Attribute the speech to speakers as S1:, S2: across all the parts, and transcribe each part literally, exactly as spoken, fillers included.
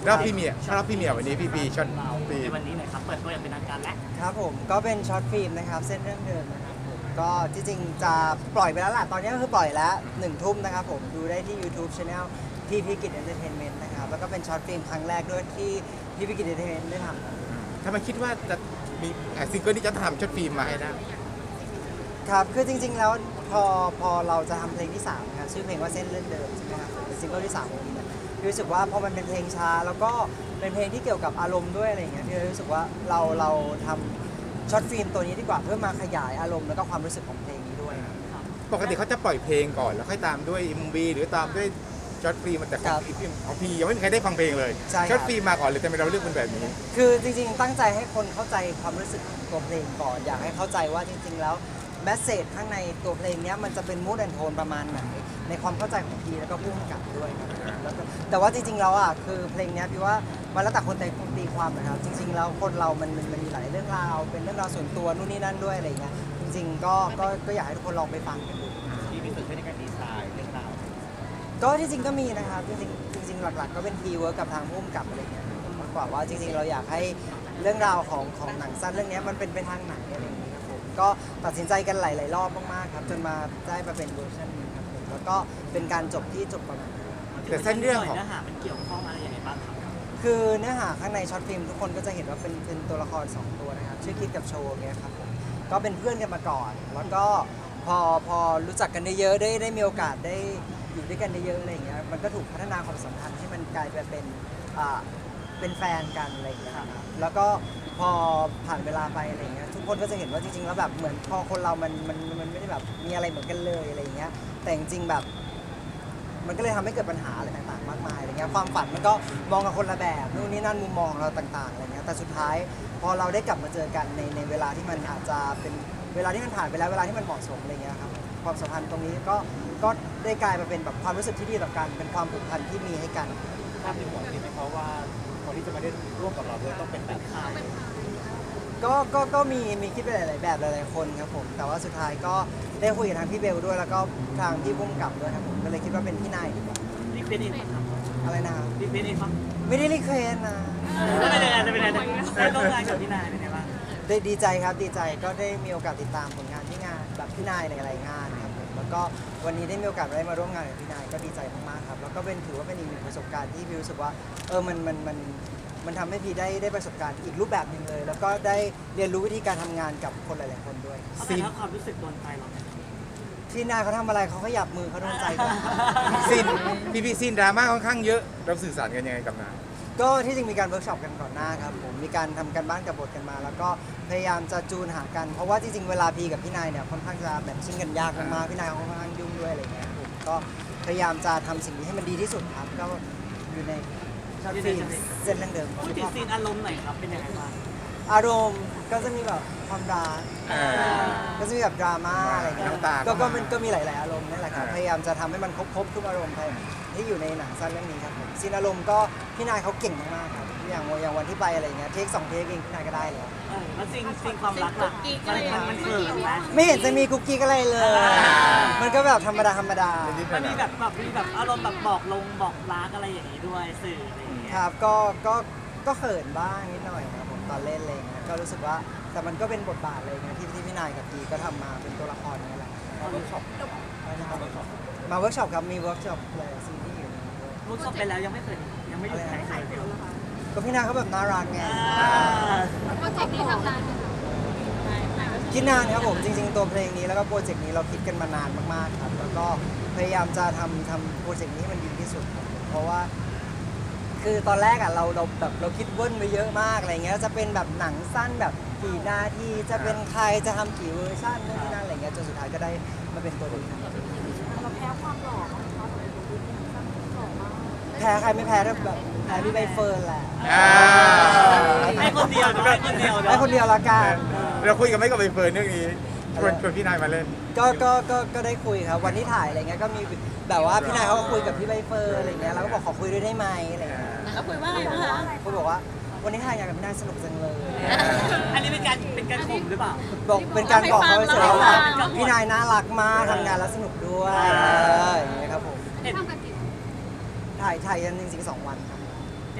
S1: รอบพรีเมียร์รอบพรีเมียร์วันนี้พี่ปีช็อตปี
S2: ในวันนี้หน่อยครับเปิดตัวอย่างเป็นทางการแล้ว
S3: ครับผมก็เป็นช็อตฟิล์มนะครับเส้นเรื่องเดิมนะครับผมก็ที่จริงจะปล่อยไปแล้วล่ะตอนนี้ก็คือปล่อยแล้วหนึ่งทุ่มนะครับผมดูได้ที่ YouTube Channel พี่พิกิจเอนเตอร์เทนเมนต์นะครับแล้วก็เป็นช็อตฟิล์มครั้งแรกด้วยที่พี่พิกิจเอนเตอร์เทนเมนต์ได้ทำ
S1: ทำไมคิดว่าจะมีซิงเกิลที่จะทำช็อตฟิล์มมาให้ได้
S3: ครับคือจริงๆแล้วพอพอเราจะทำเพลงที่สามนะครับชื่อเพลงว่าเส้นเรื่องเดิมใช่ไหมครับเป็นซิงเกิลที่สามของพี่เนี่ยพี่รู้สึกว่าพอมันเป็นเพลงช้าแล้วก็เป็นเพลงที่เกี่ยวกับอารมณ์ด้วยอะไรอย่างเงี้ยพี่เลยรู้สึกว่าเราเราทำช็อตฟิล์มตัวนี้ดีกว่าเพื่อมาขยายอารมณ์แล้วก็ความรู้สึกของเพลงนี้ด้วยครับ
S1: ปกติเขาจะปล่อยเพลงก่อนแล้วค่อยตามด้วยเอ็มวีหรือตามด้วยช็อตฟิล์มแต่ของของพียังไม่มีใครได้ฟังเพลงเลย
S3: ใช่ครับ
S1: ช็อตฟิล์มมาก่อนเลยแต่ไม่เราเลือกเป็นแบบนี้
S3: คือจริงๆตั้งใจให้คนเข้าใจความรู้สึกของตัวเพลงก่อนอยากให้เข้าใจว่าจริงๆแล้วแมสเซจข้างในตัวเพลงนี้มันจะเป็นมูดแอนโทนประมาณไหนในความเข้าใจของพีแล้วก็ผู้กำกับด้วยครับแล้วก็แต่ว่าจริงๆแล้วอ่ะคือเพลงนี้พี่ว่ามันแล้วแต่คนแต่คนตีความนะครับจริงๆแล้วคนเรามันมันมันมีหลายเรื่องราวเป็นเรื่องราวส่วนตัวนู่นนี่นั่นด้วยอะไรอย่างเงี้ยจริงๆก็ก็ก็อยากให้ทุกคนลองไปฟังกันดู
S2: ที่มีส่วนช่วยในการดีไซน์เรื่องราว
S3: ก็ที่จริงก็มีนะครับจริงๆจริงๆหลักๆ ก็เป็นทีเวิร์กกับทางผู้กำกับอะไรเงี้ยมากกว่าว่าจริงๆ เราอยากให้เรื่องราวของของหนังสั้นเรื่องนี้มันเป็นไปทางไหนอะไรอย่างเงี้ยครับผมก็ตัดสินใจกันหลายๆรอบมากๆครับจนมาได้มาเป็นเวอร์ชันนี้ครับผมแล้วก็เป็นการจบที่จบประมาณนี้
S1: แต่เส้นเรื่องของ
S2: เนื้อหามันเกี่ยวข้องอะไรยังไงบ้างครับ
S3: คือเนื้อหาข้างในช็อตฟิล์มทุกคนก็จะเห็นว่าเป็นเป็นตัวละครสองตัวนะครับชื่อคิดกับโชว์เงี้ยครับผมก็เป็นเพื่อนกันมาก่อน แล้วก็พอพอรู้จักกันได้เยอะได้ได้มีโอกาสได้อยู่ด้วยกันได้เยอะอะไรอย่างเงี้ยมันก็ถูกพัฒนาความสัมพันธ์ให้มันกลายไปเป็นอ่าเป็นแฟนกันอะไรอย่างเงี้ยครับแล้วก็พอผ่านเวลาไปอะไรอย่างเงี้ยทุกคนก็จะเห็นว่าจริงๆแล้วแบบเหมือนพอคนเรามันมันมันไม่ได้แบบมีอะไรเหมือนกันเลยอะไรอย่างเงี้ยแต่จริงๆแบบ มันก็เลยทำให้เกิดปัญหาอะไรต่างๆมากมายอะไรเงี้ยความฝันมันก็มองกับคนละแบบนู่นนี่นั่นมุมมองของเราต่างๆอะไรเงี้ยแต่สุดท้ายพอเราได้กลับมาเจอกันในในเวลาที่มันอาจจะเป็นเวลาที่มันผ่านไปแล้วเวลาที่มันเหมาะสมอะไรเงี้ยครับความสัมพันธ์ตรงนี้ก็ก็ได้กลายมาเป็นแบบความรู้สึกที่ดีต่อกันเป็นความผูกพันที่มีให้กัน
S2: ภาพในหัวคิดไหมเพราะว่าคนที่จะมาได้ร่วมกับเราด้วยต้องเป็นแบบข่าว
S3: ก็ก็ก็มีมีคิดไปหลายๆแบบหลายๆคนครับผมแต่ว่าสุดท้ายก็ได้คุยกับทางพี่เบลด้วยแล้วก็ทางพี่พุ่มกับด้วยครับผมก็เลยคิดว่าเป็นพี่นายดีกว่า
S2: รีเควสเองครับ
S3: อะไรนะครับ
S2: รีเควสเองครับ
S3: ไม่ได้รีเควสนะ
S2: ไม่เป็นไรไม่เป็นไรได้ร่วมงานกับพี่นายเป็นไงบ้าง
S3: ได้ดีใจครับดีใจก็ได้มีโอกาสติดตามผลงานที่งานแบบพี่นายในหลายๆงานครับผมแล้วก็วันนี้ได้มีโอกาสได้มาร่วมงานกับพี่นายก็ดีใจมากๆครับแล้วก็เป็นถือว่าเป็นอีกหนึ่งประสบการณ์ที่พี่รู้สึกว่าเออมันมันมันมันทำให้พี่ได้ได้ประสบการณ์อีกรูปแบบหนึ่งเลย แล้วก็ได้เรียนรู้วิธีการทำงานกับคนหลายๆคนด้วย
S2: เอาแต่ถ้าความรู้สึกโดนใจเรา
S3: พี่นายเขาทำอะไรเขาขยับมือเขาโดนใจกัน
S1: ซีนพี่พีซีนดราม่าค่อนข้างเยอะเราสื่อสารกันยังไงกับนาย
S3: ก็ที่จริงมีการเวิร์กช็อปกันก่อนหน้าครับผมมีการทำกันบ้านกับบทกันมา แล้วก็พยายามจะจูนหากันเพราะว่าจริงๆเวลาพีกับพี่นายเนี่ยค่อนข้างจะแมทชิ่งกันยากมากๆพี่นายเขาค่อนข้างยุ่งด้วยอะไรเงี้ยผมก็พยายามจะทำสิ่งนี้ให้มันดีที่สุดครับก็อยู่ในช็อตฟิล์มเส้นเรื่องเดิม
S2: พูดถึงซีนอารมณ์หน่อยครับเป็นยังไงบ้าง
S3: อารมณ์ก็จะมีแบบความรัก
S1: อ่า
S3: ก็จะมีแบบดราม่าอะไรเงี้ย
S1: น้ำตา
S3: ก็
S1: ก็
S3: ก็
S1: มา
S3: มันก็มีหลายๆอารมณ์นี่แหละครับ
S1: อ่า
S3: พยายามจะทำให้มันครบครบทุกอารมณ์ที่อยู่ในหนังสั้นเรื่องนี้ครับผมซีนอารมณ์ก็พี่นายเขาเก่งมากๆครับอย่างอย่างวันที่ไปอะไรเงี้ยเทคสองเทคเองพี่นายก็ได้แล้ว
S2: เออแล้วซีนซีนความรักล่ะมันมันมันเขินไหม
S3: ไม่เห็นจะมีกุ๊กกิ๊กอะไรเลย มันก็แบบธรรมดาธรรมดา
S1: นิดๆห
S2: มัน
S1: น่
S2: มี
S1: อย
S2: แบบแบบมีแบบอารมณ์แบบบอกลงบอกรักอะไรอย่างนี้ด้วยสื่ออะไรอย่างเงี้ย
S3: ครับก็ก็ก็เขินบ้างนิดหน่อยครับผมตอนเล่นอะไรเงี้ยก็รู้สึกว่าแต่มันก็เป็นบทบาทอะไรเงี้ยที่ที่พี่นายกับพีก็ทำมาเป็นตัวละครนี่แหละมาเวิร์กช็อปมาเวิร์กช็อปครับมีเวิร์กช็อปหลายซีรีส์อยู่ในนี้ด้วย
S2: มุกจบไปแล้วยังไม่เคยยังไม่หยุดใครเคย
S3: ก็พี่นายเขาแบบน่ารักไง
S2: อ่า
S4: โปรเจกต์นี้ทำนานไหมคะ
S3: คิดนานครับผมจริงๆตัวเพลงนี้แล้วก็โปรเจกต์นี้เราคิดกันมานานมากๆครับแล้วก็พยายามจะทำทำโปรเจกต์นี้ให้มันดีที่สุดครับเพราะว่า คือตอนแรกอ่ะเราเราแบบเราคิดเว้นไปเยอะมากอะไรเงี้ยจะเป็นแบบหนังสั้นแบบกี่นาทีจะเป็นใครจะทำกี่เวอร์ชันนู่นนี่นั่นอะไรเงี้ยจนสุดท้ายก็ได้มาเป็นตัวนี้ครับ
S4: เราแพ้ความหล่อของเขาเลยดูดีสั้นหล่อมาก
S3: แพ้ใครไม่แพ้ถ้าแบบแพ้พี่ใบเฟิร์นแหละ
S1: อ่า
S2: ให้คนเดียวเนอะให้คนเดียวเนอะ
S3: ให้คนเดียวละกัน
S1: เราคุยกันไหม่กับใบเฟิร์นเรื่องนี้ชวนชวนพี่นายมาเล่น
S3: ก็ก็ก็ก็ได้คุยครับวันที่ถ่ายอะไรเงี้ยก็มีแบบว่าพี่นายเขาก็คุยกับพี่ใบเฟิร์นอะไรเงี้ยเราก็บอกขอคุยด้วยได้ไหมอะไรเงี้ย
S4: แล้วคุยว่าอะไรบ้างคะ
S3: เขาบอกว่าวันนี้ถ่ายงานกับพี่นายสนุกจังเลย
S2: อันนี้เป็นการเป็นการข่มหรือเปล่า
S3: บอกเป็นการบอกเขาเฉยๆว่าพี่นายน่ารักมากทำงานแล้วสนุกด้วยเอออย่างเงี้ยครับผม
S2: เห็น
S4: ทำกันกี่
S3: ถ่ายถ่ายกันจริงๆสองวันครับ
S2: เห็น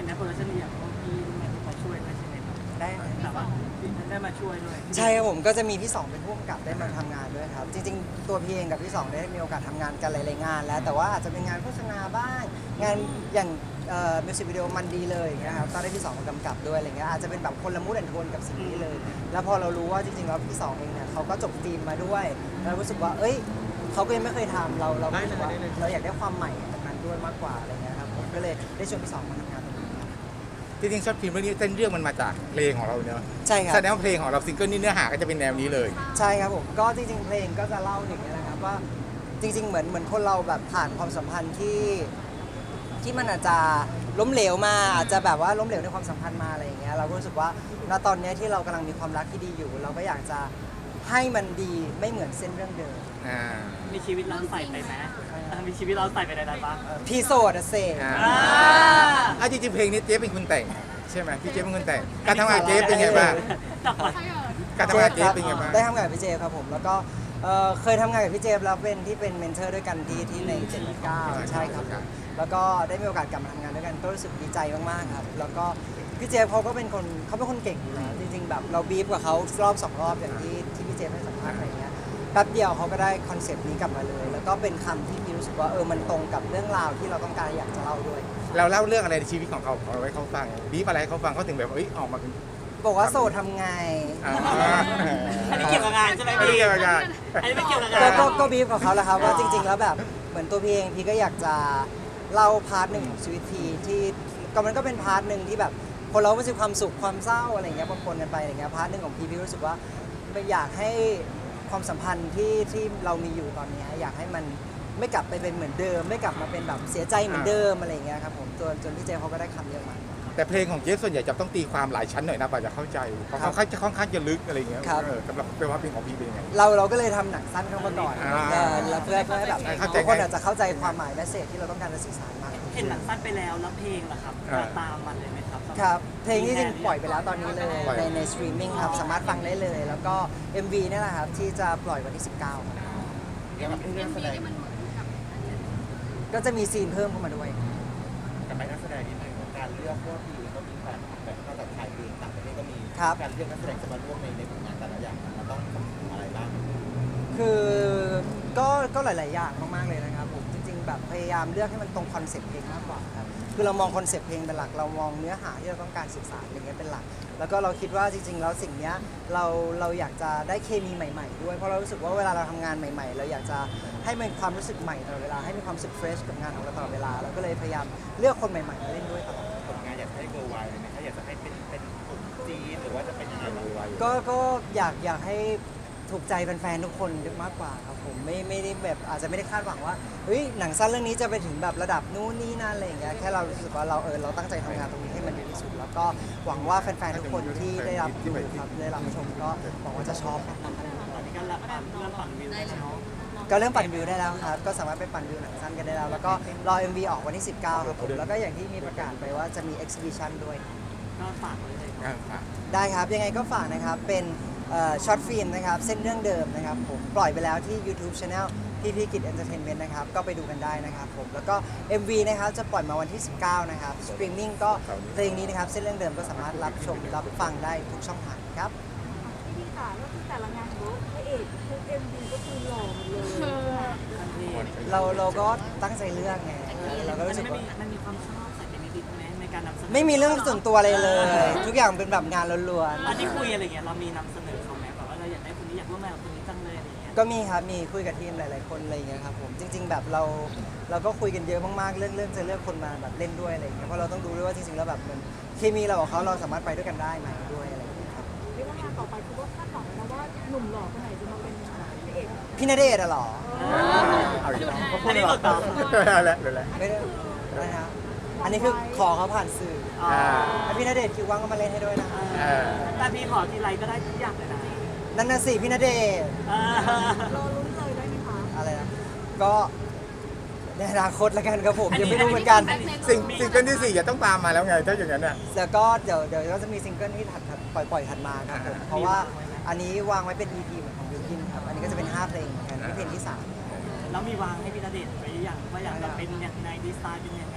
S5: นในโปรดักชันอย่างพวกพี่มาช่วยด้วยใช่ไหมครับ
S3: ได้
S5: แต่ว่าได้มาช่วยด้วย
S3: ใช่ครับผมก็จะมีพี่สองเป็นผู้กำกับได้มาทำงานด้วยครับจริงๆตัวพี่เองกับพี่สองได้มีโอกาสทำงานกันหลายๆงานแล้วแต่ว่าอาจจะเป็นงานโฆษณาบ้างงานอย่างมิวสิกวิดีโอมันดีเลยอย่างเงี้ยครับก็ได้พี่สองมากำกับด้วยอะไรเงี้ยอาจจะเป็นแบบคนละมูดแอนโทนกับสิ่งนี้เลย แล้วพอเรารู้ว่าจริงๆแล้วพี่สองเองเนี่ยเขาก็จบฟิล์มมาด้วยแล้วรู้สึกว่าเอ้ยเขาก็ยังไม่เคยทำเราเราก็รู้สึกว่าเราอยากได้ความใหม่จากนั้นด้วยมากกว่าอะไรเงี้ยครับผมก็เลยได้ชวนพี่สองมาทำงานตรงนี้ครับ
S1: จริงๆช็อตฟิล์มเรื่องนี้เส้นเรื่องมันมาจากเพลงของเราเนอะ
S3: ใช่ครับ
S1: แสดงว่าเพลงของเราซิงเกิลนี้เนื้อหาก็จะเป็นแนวนี้เลย
S3: ใช่ครับผมก็จริงๆเพลงก็จะเล่าถึงเนี้นะครับว่าจริง ๆ เหมือนเหมือนคนเราแบบผ่านความสัมพันธ์ที่ที่มันอาจจะล้มเหลวมาอาจจะแบบว่าล้มเหลวในความสัมพันธ์มาอะไรอย่างเงี้ยเราก็รู้สึกว่าณตอนเนี้ยที่เรากำลังมีความรักที่ดีอยู่ เราก็อยากจะให้มันดีไม่เหมือนเส้นเรื่องเดิม
S1: อ่า
S5: มีชีวิตเราใส่ไปไหมมีชีวิตเราใส่ไปในนั้นบ้าง
S3: พี่โสดอะเซ
S1: อ่า
S5: อ่า
S1: อ่ะจริงๆเพลงนี้เจ๊เป็นคนแต่งใช่ไหมพี่เจ๊เป็นคนแต่งการทำงานเจ๊เป็นไงบ้าง
S5: จับไป
S1: การทำงานเจ๊เป็นไงบ้าง
S3: ได้ทำงานกับพี่เจฟครับผมแล้วก็เอ่อเคยทำงานกับพี่เจฟแล้วเป็นที่เป็นเมนเทอร์ด้วยกันที่ที่ในเจ็ดเก้าใช่ครับผมแล้วก็ได้มีโอกาสกลับมาทำงานด้วยกันก็รู้สึกดีใจมากๆครับแล้วก็พี่เจฟเขาก็เป็นคนเขาเป็นคนเก่งอยู่แล้วจริงๆแบบเราบีฟกับเขารอบสองรอบอย่างที่ที่พี่เจฟให้สัมภาษณ์อะไรเงี้ยแป๊บเดียวเขาก็ได้คอนเซปต์นี้กลับมาเลย แล้วก็เป็นคำที่พี่รู้สึกว่าเออมันตรงกับเรื่องราวที่เราต้องการอยากจะเล่าด้วย
S1: เราเล่าเรื่องอะไรในชีวิตของเขาเอาไว้เขาฟังบีบอะไรให้เขาฟังเขาถึงแบบเอ้ยออกมาเป็น
S3: บอกว่าโสดทำไง
S1: อ่า
S5: อันนี้เกี่ยวกับงานใช่ไหม
S1: ไม่
S5: พี่
S1: เกี่ยวกับงาน
S5: อันนี้ไม่เกี่ยวกับ
S3: ก็
S5: งาน
S3: ก็ก็บีฟกับเขาแหล้วครับว่าจริง ๆ แล้วแบบเหมือนตัวพี่เองพี่ก็อยากจะเล่าพาร์ทหนึ่งของชีวิตพี่ที่ก็มันก็เป็นพาร์ทหนึ่งที่แบบคนเราไม่ใช่ความสุขความเศร้าอะไรอย่างเงี้ยปนๆกันไปอะไรเงี้ยพาร์ทหนึ่งของพี่พี่รู้สึกว่าไม่อยากให้ความสัมพันธ์ที่ที่เรามีอยู่ตอนเนี้ยอยากให้มันไม่กลับไปเป็นเหมือนเดิม ไม่กลับมาเป็นแบบเสียใจเหมือนเดิมอะไรอย่างเงี้ยครับผมจนจนพี่เจเขาก็ได้คำเยอะมาก
S1: แต่เพลงของเจ๊ส่วนใหญ่จะต้องตีความหลายชั้นหน่อยนะกว่าจะเข้าใจเพราะเขาค่อนข้างค่อนข้างจะลึกอะไรอย่างเงี้ย
S3: ครับ
S1: เออสำหรับเป็นว่าเพลงของพี่เป็นยังไง
S3: เราเราก็เลยทำหนังสั้นเข้ามาก่อน
S1: อ่า
S3: เออแล้วเพื่อเพื่อให้แบบ
S1: เข้าใจ
S3: ทุกคนอาจจะเข้าใจความหมายแมสเซจที่เราต้องการจะสื่อสารมากขึ้น
S5: เห็นหนังสั้นไปแล้วแล้วเพลงล่ะครับ
S1: อ่า
S5: ตามมันเลยไหมครับ
S3: ครับเพลงที่จริงปล่อยไปแล้วตอนนี้เลย
S1: ปล่อย
S3: ในในสตรีมมิ่งครับสามารถฟังได้เลย แล้วก็ เอ็ม วี เนี่ยแหละครับที่จะปล่อยวันที่ สิบเก้าครับ
S2: เกี่ยวกับเรื่องแสดง
S3: ก็จะมีซีนเพิ่มเข้ามาด้วย
S2: กับนักแสดงนิดนึงการเลือกพวกที่ก็มีแบบแบบนอกจากไทยเองต่างประเทศก็มี
S3: ครับ
S2: การเลือกนักแสดงจะมาร่วมในในผลงานแต่ละอย่างมันต้องคำนึงอะไรบ้าง
S3: คือก็ก็หลาย ๆ อย่างมาก ๆ เลยนะครับผมจริง ๆ แบบพยายามเลือกให้มันตรงคอนเซ็ปต์เพลงมากกว่าครับคือเรามองคอนเซ็ปต์เพลงเป็นหลักเรามองเนื้อหาที่เราต้องการสื่อสารอย่างเงี้ยเป็นหลัก แล้วก็เราคิดว่าจริง ๆ แล้วสิ่งเนี้ยเราเราอยากจะได้เคมีใหม่ ๆ ด้วยเพราะเรารู้สึกว่าเวลาเราทำงานใหม่ ๆ เราอยากจะให้มันความรู้สึกใหม่ตลอดเวลาให้มีความรู้สึกเฟรชกับงานของเราตลอดเวลาเราก็เลยพยายามเลือกคนใหม่ ๆ มาเล่นด้วยตลอด
S2: ผลงานอยากให้เกิร์ลไวเลยไหมคะอยากจะให้เป็นเป็นกลุ่มจีนหรือว่าจะเป็นยังไงบ้าง
S3: ก็ก็อยากอยากให้ถูกใจแฟนๆทุกคนมากกว่าครับผมไม่ไม่ได้แบบอาจจะไม่ได้คาดหวังว่าเฮ้ยหนังสั้นเรื่องนี้จะไปถึงแบบระดับนู้นนี่นั่นอะไรอย่างเงี้ยแค่เรารู้สึกว่าเราเออเราตั้งใจทำงานตรงนี้ให้มันดีที่สุด แล้วก็หวังว่าแฟนๆทุกคนที่ได้รับดูครับได้รับชมก็หวังว่าจะชอบครับ
S5: ตอนนี้ก็เริ่มปั่นเริ่มปั่นวิวแล้วเนาะ
S3: ก็เริ่มปั่นวิวได้แล้วครับก็สามารถไปปั่นวิวหนังสั้นกันได้แล้ว แล้วก็รอ เอ็ม วี ออกวันที่ สิบเก้าครับผมแล้วก็อย่างที่มีประกาศไปว่าจะมี exhibition ด้วย
S5: ก็ฝากไว้เลยครับ
S1: อ่าอ่า
S3: ได้ครับยังไงก็ฝากนะครับเป็นช็อตฟิล์มนะครับเส้นเรื่องเดิมนะครับผมปล่อยไปแล้วที่ YouTube Channel พี่พีกิจเอนเตอร์เทนเมนต์นะครับก็ไปดูกันได้นะครับผมแล้วก็ เอ็ม วี นะครับจะปล่อยมาวันที่ สิบเก้านะครับสตรีมมิ่งก็เพลงนี้นะครับเส้นเรื่องเดิมก็สามารถรับชมรับฟังได้ทุกช่องทางครับ
S4: พี่พี่ค่ะก็คือแต่ละงานของพระเอกทุกเอ็มวีก็คือหล่อหมดเลย
S5: ทันที
S3: เราเราก็ตั้งใจเลือกไงเราก็
S5: มัน
S3: รู้สึก
S5: ไม่
S3: ว่า
S5: มีมันมีความชอบใส่ไปนิดๆไหมในการนำเสนอ
S3: ไม่มีเรื่องส่วนตัวอะไรเลย ทุกอย่างเป็นแบบงานล้วน
S5: ตอนที่คุยอะไรเงี้ยเรามีนำเสนอเขาไหมแบบว่าเราอยากได้คนนี้อยากร่วมงานกับคนนี้จังเลยอะไรเงี้ย
S3: ๆก็มีครับมีคุยกับทีมหลาย ๆ คนอะไรอย่างเงี้ยครับผมจริง ๆ แบบเราเราก็คุยกันเยอะมากๆเรื่องเรื่องจะเลือกคนมาแบบเล่นด้วยอะไรอย่างเงี้ยเพราะเราต้องดูด้วยว่าจริงๆแล้วแบบมันเคมีเรากับเขาเราสามารถไปด้วยกันได้ไหมด้วยอะไรอย่างเงี้ยครับ
S4: เรียกว่างานต่อไปคือว่าคาดหวังนะว่าหนุ่มหล่อคนไหนจะมาเป็นพระเอก
S3: พี่ณเดชน์อะเหรอ
S1: เอาอีกแล้ว
S5: อันนี้หลุดต่อ
S1: เอาละเอาละ
S3: ไม่ได้อะไรนะอันนี้คือขอเขาผ่านสื่อ
S5: อ๋อ
S3: ถ้าพี่ณเดชน์คิวว่างก็มาเล่นให้ด้วยนะ
S1: เออ
S5: แต่พี่ขอทีไรก็ได้ทุกอย่างเลยนะ
S3: นั่นน่ะสิพี่ณเดชน์
S5: เออ
S4: รอลุ้นเลยได้ไหมคะ
S3: อะไรนะก็ในอนาคตละกันครับผมยังไม่รู้เหมือนกัน
S1: สิ่งสิ่งเกิลที่สี่จะต้องตามมาแล้วไงถ้าอย่างนั้นน่ะ
S3: แล้วก็เดี๋ยวเดี๋ยวก็จะมีซิงเกิลที่ถัดถัดปล่อยปล่อยถัดมาครับผมเพราะว่าอันนี้วางไว้เป็น อี พี เหมือนของบิวกินครับอันนี้ก็จะเป็นห้าเพลงเหมือนกันนี่เพลงที่สาม
S5: แล้วมีวางให้พี่ณเดชน์ไว้อย่างว่าอยากจะเป็นยังไงดีไซน์เป็นยังไง
S3: ค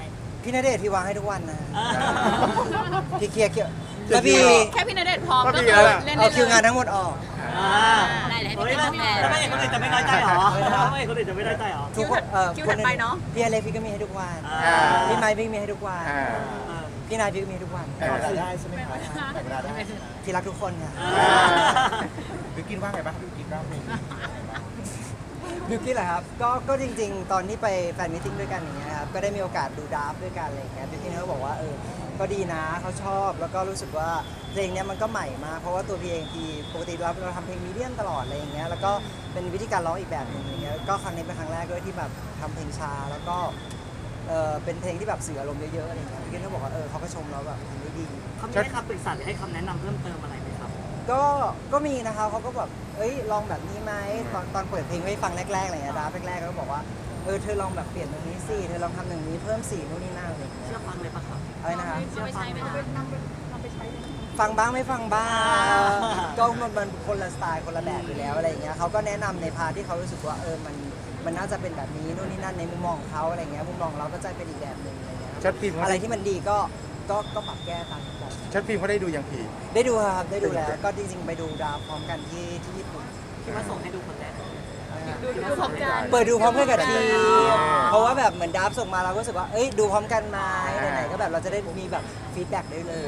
S3: พี่ณเดชน์พี่วางให้ทุกวันนะ
S5: อ่า
S3: พี่เคลียร์เคลียร์
S1: เคลียร์
S3: แล้วพี่
S6: แค่พี่ณเดชน์พร้อม
S1: ก็
S6: ก็
S1: มี
S6: คือ
S1: แล้วล่ะ
S6: เล่น
S3: เอา
S6: ได้
S3: คิวงาน
S6: เลย
S3: ทั้งหมดออก
S5: อ่า
S6: ได้เลยให้
S5: เฮ้ย
S6: พี่
S5: แล้ว
S6: เป็นตัวแทน
S5: แล้วไม่เห็นคนอื่นจะไม่น้อยใจเหรอแล้วไม่เห็นคนอื่นจะไม่น้อยใจเหรอ
S3: ทุกคนเอ่อ
S6: คิว
S3: ค
S6: ถั
S3: น
S6: ดไปเนอะ
S3: พี่อเล็กพี่ก็มีให้ทุกวัน
S5: อ่า
S3: พี่ไมค์พี่มีให้ทุกวัน
S1: อ่า
S5: เออ
S3: พี่นายพี่ก็มีให้ทุกวัน
S1: เออ
S2: แต่ได้ใช่ไหมคะแต่เวลาได้
S3: พี่รักทุกคนค่ะ
S5: อ่า
S2: บิวกินว่าไงบ้างบิวกินว่าเพลงนี้
S3: บิวกี้เหรอครับ ก็ก็จริงๆ ตอนที่ไปแฟนมิทติ้งด้วยกันอย่างเงี้ยครับ ก็ได้มีโอกาสดูดราฟต์ด้วยกันอะไรอย่างเงี้ยบิวกี้เขาก็บอกว่าเออ ก็ดีนะเขาชอบ แล้วก็รู้สึกว่าเพลงเนี้ยมันก็ใหม่มาก เพราะว่าตัวพี่เองทีปกติเราเราทำเพลงมีเดียมตลอดอะไรอย่างเงี้ย แล้วก็เป็นวิธีการร้องอีกแบบหนึ่งอย่างเงี้ย ก็ครั้งนี้เป็นครั้งแรกด้วยที่แบบทำเพลงช้า แล้วก็เออเป็นเพลงที่แบบสื่ออารมณ์เยอะๆอะไรอย่างเงี้ยบิวกี้เขาบอกว่าเออเขาก็ชมเราแบบทำได้ดี
S5: เขามีให้คำปรึกษาหรือให้คำแนะนำเพิ่มเติมอะไรไหมครับ
S3: ก็ก็มีนะคะเขาก็แบบเอ้ยลองแบบนี้ไหมตอนตอนเปิดเพลงให้ฟังแรกๆอะไรเงี้ยดาร์ฟแรกๆเขาก็บอกว่าเออเธอลองแบบเปลี่ยนตรงนี้สิเธอลองทำตรงนี้เพิ่มสีนู่นนี่นั่นอะไรอย่างเงี้ย
S5: เชื่อฟังเลยปะครับ
S3: อะไรนะคะ
S5: เชื่อฟังไหม
S4: เอา
S5: ค
S4: ไป
S5: รับ
S4: นำไปนำไปใช้เลย
S3: ฟังบ้างไม่ฟังบ้าง
S5: อ่า
S3: ก็มันมันคนละสไตล์คนละแบบอยู่แล้วอะไรอย่างเงี้ยเขาก็แนะนำในพาร์ทที่เขารู้สึกว่าเออมันมันน่าจะเป็นแบบนี้นู่นนี่นั่นในมุมมองของเขาอะไรเงี้ยมุมมองเราก็จะเป็นอีกแบบหนึ่งอะไรเงี้ย
S1: ช็อตฟิล์มเขา
S3: อะไร
S1: ได้
S3: ที่มันดีก็ก็ก็ปรับแก้ตามแบบ
S1: ช็อตฟิล์มเขาได้ดูอย่างผี
S3: ได้ดูครับได้ดูแล้วก็จริงๆไปดูดาวพร้อมกันที่ที่ญี่ปุ่น
S5: คิดว่าส่งให้ดูคนแรก
S6: ดูดูพร้อมกัน
S3: เปิดดูพร้อมกันกับที
S1: อ่า
S3: เพราะว่าแบบเหมือนดับส่งมาเราก็รู้สึกว่า เอ้ยดูพร้อมกันไหมไหนๆก็แบบเราจะได้มีแบบฟีดแบ็กได้เลย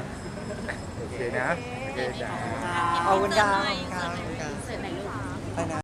S1: โอเคนะ โอเคจ้า
S3: เอาคุณดาว
S6: เสิร์ฟหน่อย
S3: ครับ
S6: เสิร์ฟหน่อยลูก
S3: ไปนะ